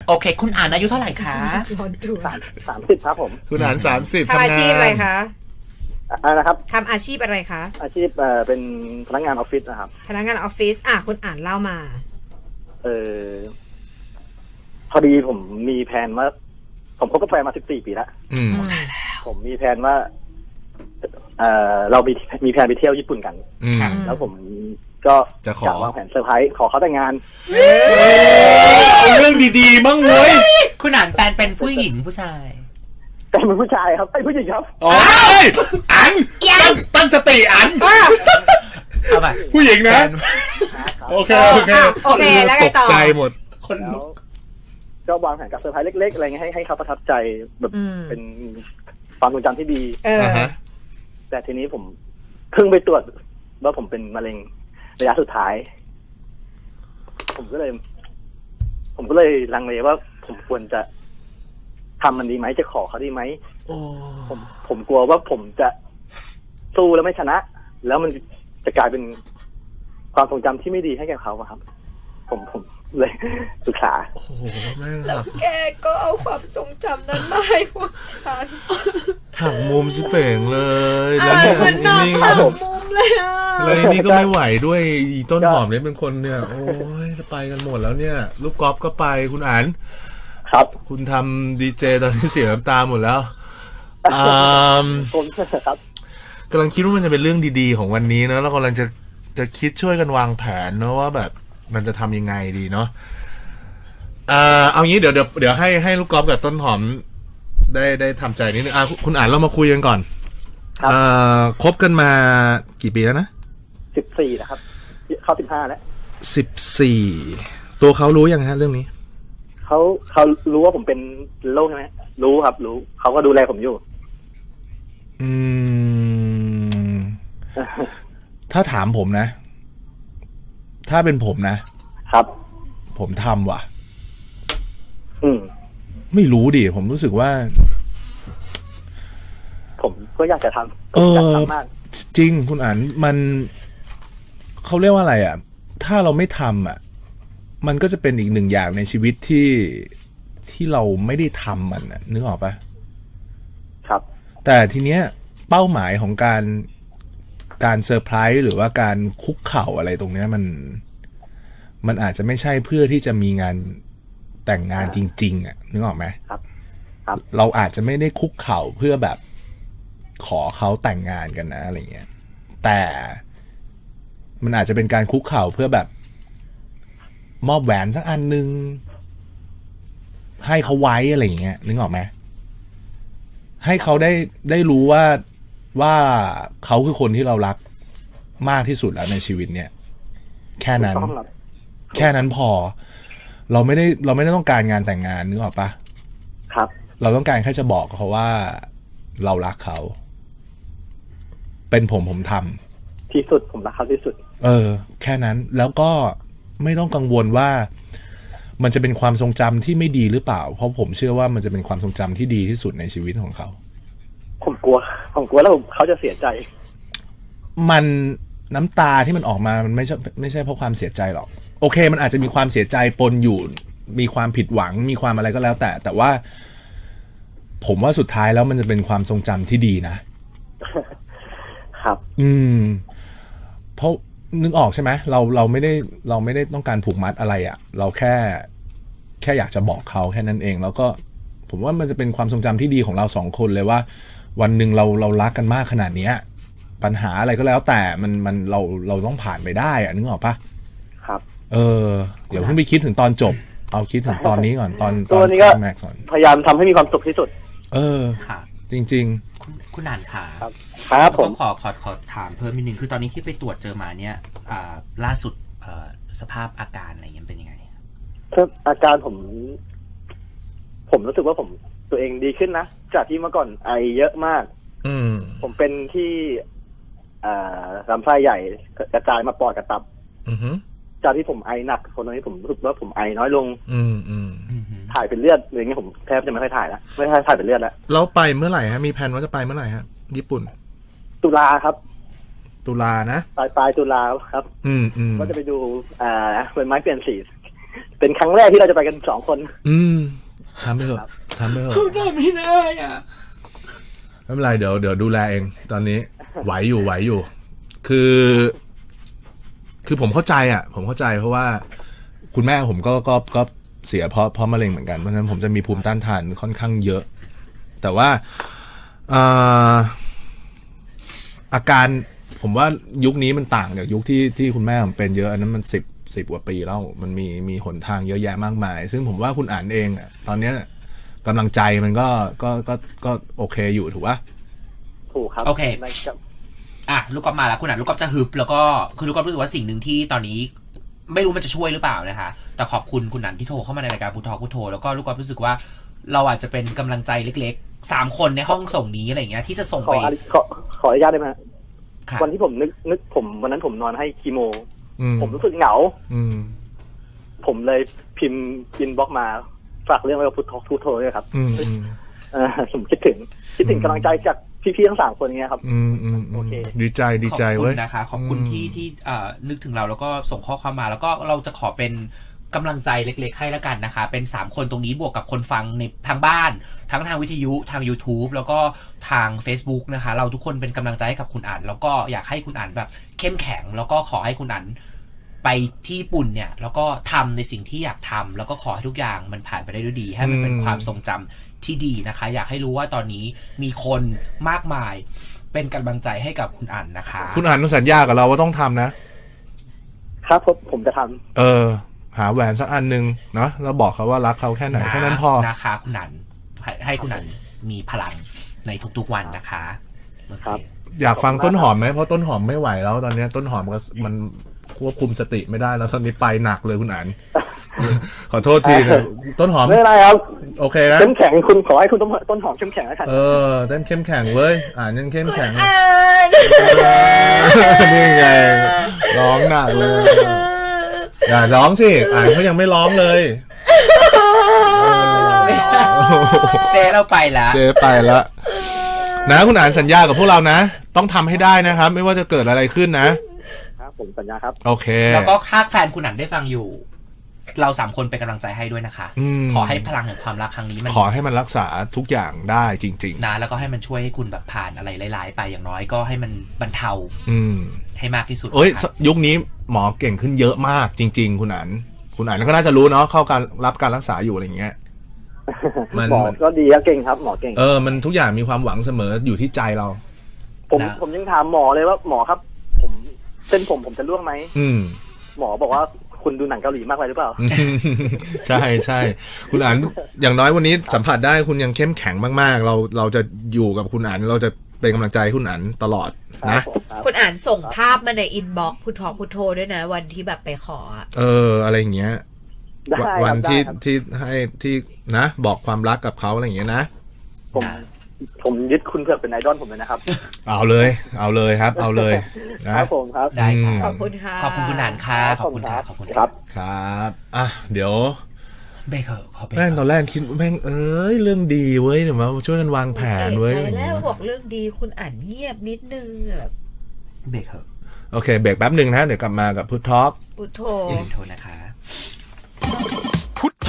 โอเคคุณอ่านอายุเท่าไหร่คะ 30ครับผมคุณอ่าน30 ทำอาชีพอะไรคะนะครับทำอาชีพอะไรคะอาชีพเป็นพนักงานออฟฟิศนะครับพนักงานออฟฟิศคุณอ่านเล่ามาพอดีผมมีแผนว่าผมคบกับแฟนมา14 ปีแล้วผมมีแผนว่าเรามีแผนไปเที่ยวญี่ปุ่นกันแล้วผมก็จะขอวางแผนเซอร์ไพรส์ขอเขาแต่งงานเอาเรื่องดีๆมั่งเว้ยคุณอ่านแฟนเป็นผู้หญิงผู้ชายแต่เป็นผู้ชายครับไอ้ผู้หญิงครับอ๋ออันตั้งสติอันเอาไปผู้หญิงนะโอเคแล้วไงต่อตกใจหมดคนลุกก็วางแผนกับเซอร์ไพรส์เล็กๆอะไรเงี้ยให้เขาประทับใจแบบเป็นความทรงจำที่ดีแต่ทีนี้ผมเพิ่งไปตรวจว่าผมเป็นมะเร็งระยะสุดท้ายผมก็เลยลังเลว่าผมควรจะทำมันดีไหมจะขอเขาดีไหมผมกลัวว่าผมจะสู้แล้วไม่ชนะแล้วมันจะกลายเป็นความทรงจำที่ไม่ดีให้แก่เขาครับผมเลยศึกษาโอ้โหแม่งแล้วแกก็เอาความทรงจำนั้นมาให้พวกฉันหักมุมสิเป่งเลยแล้วมันนอนหักมุมเลยเลยนี่ก็ไม่ไหวด้วยอีต้นหอมเนี่ยเป็นคนเนี่ยโอ้ยจะไปกันหมดแล้วเนี่ยลูกกอล์ฟก็ไปคุณอั๋นครับคุณทำดีเจตอนนี้เสียน้ำตาหมดแล้วผมครับกำลังคิดว่ามันจะเป็นเรื่องดีๆของวันนี้นะแล้วกำลังจะคิดช่วยกันวางแผนเนาะว่าแบบมันจะทำยังไงดีเนาะเอางี้เดี๋ยวให้ลูกกอล์ฟกับต้นหอมได้ทำใจนิดนึงคุณอ่านเรามาคุยกันก่อนคบกันมากี่ปีแล้วนะ 14นะครับเข้า15แล้ว 14ตัวเขารู้ยังฮะเรื่องนี้เขารู้ว่าผมเป็นโรคใช่ไหมรู้ครับรู้เขาก็ดูแลผมอยู่ถ้าถามผมนะถ้าเป็นผมนะครับผมทำว่ะไม่รู้ดิผมรู้สึกว่าผมก็อยากจะทำมากจริงคุณอ่านมันเขาเรียกว่าอะไรอ่ะถ้าเราไม่ทำอ่ะมันก็จะเป็นอีกหนึ่งอย่างในชีวิตที่เราไม่ได้ทำมันอ่ะนึกออกปะครับแต่ทีเนี้ยเป้าหมายของการเซอร์ไพรส์หรือว่าการคุกเข่าอะไรตรงเนี้ยมันอาจจะไม่ใช่เพื่อที่จะมีงานแต่งงานจริงๆอ่ะนึกออกไหมครับเราอาจจะไม่ได้คุกเข่าเพื่อแบบขอเขาแต่งงานกันนะอะไรเงี้ยแต่มันอาจจะเป็นการคุกเข่าเพื่อแบบมอบแหวนสักอันนึงให้เขาไว้อะไรอย่างเงี้ยนึกออกไหมให้เขาได้รู้ว่าเขาคือคนที่เรารักมากที่สุดแล้วในชีวิตเนี่ยแค่นั้นพอเราไม่ได้ต้องการงานแต่งงานนึกออกปะครับเราต้องการแค่จะบอกเขาว่าเรารักเขาเป็นผมทำที่สุดผมรักเขาที่สุดแค่นั้นแล้วก็ไม่ต้องกังวลว่ามันจะเป็นความทรงจำที่ไม่ดีหรือเปล่าเพราะผมเชื่อว่ามันจะเป็นความทรงจำที่ดีที่สุดในชีวิตของเขาผมกลัวแล้วเขาจะเสียใจมันน้ำตาที่มันออกมามันไม่ใช่เพราะความเสียใจหรอกโอเคมันอาจจะมีความเสียใจปนอยู่มีความผิดหวังมีความอะไรก็แล้วแต่ว่าผมว่าสุดท้ายแล้วมันจะเป็นความทรงจำที่ดีนะครับเพราะนึกออกใช่ไหมเราไม่ได้ต้องการผูกมัดอะไรอ่ะเราแค่อยากจะบอกเขาแค่นั้นเองแล้วก็ผมว่ามันจะเป็นความทรงจำที่ดีของเราสองคนเลยว่าวันหนึ่งเรารักกันมากขนาดนี้ปัญหาอะไรก็แล้วแต่มันเราต้องผ่านไปได้อะนึกออกปะครับเดี๋ยวเพิ่งไปคิดถึงตอนจบเอาคิดถึงตอนนี้ก่อนตอนนี้ก็พยายามทำให้มีความสุขที่สุดค่ะจริงๆคุณอ่านค่ะครับผมขอถามเพิ่มนิดนึงคือตอนนี้ที่ไปตรวจเจอมาเนี่ยล่าสุดสภาพอาการอะไรเงี้ยเป็นยังไงอาการผมรู้สึกว่าผมตัวเองดีขึ้นนะจากที่เมื่อก่อนไอเยอะมากผมเป็นที่ลำไส้ใหญ่กระจายมาปอดกับตับจากที่ผมไอหนักคนนี้ผมรู้สึกว่าผมไอน้อยลงถ่ายเป็นเลือดอะไรเงี้ยผมแทบจะไม่ค่อยถ่ายแล้วไม่ค่อยถ่ายเป็นเลือดแล้วแล้วไปเมื่อไหร่ฮะมีแผนว่าจะไปเมื่อไหร่ฮะญี่ปุ่นตุลาครับตุลานะปลายตุลาครับว่าจะไปดูใบไม้เปลี่ยนสีเป็นครั้งแรกที่เราจะไปกัน2 คนทำไปเถอะทำไปเถอะได้ไม่ได้อ่ะไม่เป็นไรเดี๋ยวดูแลเองตอนนี้ไหวอยู่คือผมเข้าใจอ่ะผมเข้าใจเพราะว่าคุณแม่ผมก็เสียเพราะมะเร็งเหมือนกันเพราะฉะนั้นผมจะมีภูมิต้านทานค่อนข้างเยอะ แต่ว่าอาการผมว่ายุคนี้มันต่างจากยุคที่คุณแม่ผมเป็นเยอะอันนั้นมัน10 กว่าปีแล้วมันมีหนทางเยอะแยะมากมาย ซึ่งผมว่าคุณอ่านเองอ่ะตอนเนี้ยกำลังใจมันก็โอเคอยู่ถูกปะถูกครับโอเคนะครับลูกกอล์ฟมาแล้วคุณลูกกอล์ฟจะฮึบแล้วก็คือลูกกอล์ฟรู้สึกว่าสิ่งหนึ่งที่ตอนนี้ไม่รู้มันจะช่วยหรือเปล่านะคะแต่ขอบคุณคุณนันที่โทรเข้ามาในรายการพุทโธพุทโธแล้วก็ลูกกอล์ฟรู้สึกว่าเราอาจจะเป็นกำลังใจเล็กๆ3 คนในห้องส่งนี้อะไรอย่างเงี้ยที่จะส่งขไปออนุญาตได้ไหมฮะค่ะวันที่ผมนึกผมวันนั้นผมนอนให้คีโมมผมรู้สึกเหงาอืมผมเลยพิมพ์อินบ็อกซ์มาฝากเรื่องไว้กับพุทโธด้วยครับ ผมคิดถึงกำลังใจจากพี่ๆทั้ง3 คนเงี้ยครับ โอเคดีใจขอบคุเว้ณยนะคะขอบคุณที่นึกถึงเราแล้วก็ส่งข้อความมาแล้วก็เราจะขอเป็นกำลังใจเล็กๆให้แล้วกันนะคะเป็น3 คนตรงนี้บวกกับคนฟังในทางบ้านทั้งทางวิทยุทาง YouTube แล้วก็ทาง Facebook นะคะเราทุกคนเป็นกำลังใจให้กับคุณอ่านแล้วก็อยากให้คุณอ่านแบบเข้มแข็งแล้วก็ขอให้คุณอ่านไปที่ญี่ปุ่นเนี่ยแล้วก็ทำในสิ่งที่อยากทำแล้วก็ขอให้ทุกอย่างมันผ่านไปได้ด้วยดีให้มันเป็นความทรงจำที่ดีนะคะอยากให้รู้ว่าตอนนี้มีคนมากมายเป็นกำลังใจให้กับคุณอ่านนะคะคุณอ่านต้องสัญญากับเราว่าต้องทำนะครับผมจะทำหาแหวนสักอันนึงเนาะแล้วบอกเขาว่ารักเขาแค่ไหนแค่นั้นพอนะคะคุณนันให้คุณนันมีพลังในทุกๆวันนะคะโอเคครับอยากฟังต้นหอมไหมเพราะต้นหอมไม่ไหวแล้วตอนนี้ต้นหอมมันควบคุมสติไม่ได้แล้วตอนนี้ไปหนักเลยคุณอ่าน ขอโทษทีนะต้นหอมไม่เป็นไรครับโอเคนะเข้มแข็งคุณขอให้คุณต้นหอมเข้มแข็งแล้วกันเต้นเข้มแข็งเว้ยอ่านยังเข้มแข็งอ่านนี่ไงร้องหนักเลย อย่าร้องสิอ่านเขายังไม่ร้องเลยเจ๊เราไปแล้วเจ๊ไปแล้วนะคุณอ่านสัญญากับพวกเรานะ ต้องทำให้ได้นะครับ ไม่ว่าจะเกิดอะไรขึ้นนะครับผมสัญญาครับโอเคแล้วก็ถ้าแฟนคุณนันได้ฟังอยู่ เรา3 คนเป็นกำลังใจให้ด้วยนะคะ ขอให้พลังแห่งความรักครั้งนี้มันขอให้มันรักษาทุกอย่างได้จริงนะแล้วก็ให้มันช่วยให้คุณแบบผ่านอะไรร้ายๆไปอย่างน้อยก็ให้มันบรรเทาๆให้มากที่สุดเอ้ยนะครับยุคนี้หมอเก่งขึ้นเยอะมากจริง ๆ คุณอ่านก็น่าจะรู้เนาะเข้าการรับการรักษาอยู่อะไรเงี้ย มันหมอก็ดีครับเก่งครับหมอเก่งมันทุกอย่างมีความหวังเสมออยู่ที่ใจเราผมยังถามหมอเลยว่าหมอครับเส้นผมจะร่วงไหม หมอบอกว่าคุณดูหนังเกาหลีมากไปหรือเปล่าใช่ใช่คุณอ่านอย่างน้อยวันนี้สัมผัสได้คุณยังเข้มแข็งมากๆเราจะอยู่กับคุณอ่านเราจะเป็นกำลังใจให้คุณอ่านตลอดนะคุณอ่านส่งภาพมาในอินบ็อกซ์พุทโธด้วยนะวันที่แบบไปขออะอะไรอย่างเงี้ยได้ครับวันได้ที่ครับที่ให้ที่นะบอกความรักกับเขาอะไรอย่างเงี้ยนะผมยึดคุณเผือกเป็นไอดอลผมเลยนะครับเอาเลยครับ เอาเลยนะครับผมครับได้ค่ะขอบคุณค่ะขอบคุณคุณนันค่ะขอบคุณค่ะขอบคุณครับครับเดี๋ยวเบรกเถอะขอเบรกแม่งตอนแรกคิดแม่งเรื่องดีเว้ยเดี๋ยวมาช่วยกันวางแผนเว้ยใจแล้วบอกเรื่องดีคุณอ่านเงียบนิดนึงแบบเบรกเถอะโอเคเบรกแป๊บหนึ่งนะเดี๋ยวกลับมากับพุททอล์กพุทโธอย่าลืมโทรนะคะ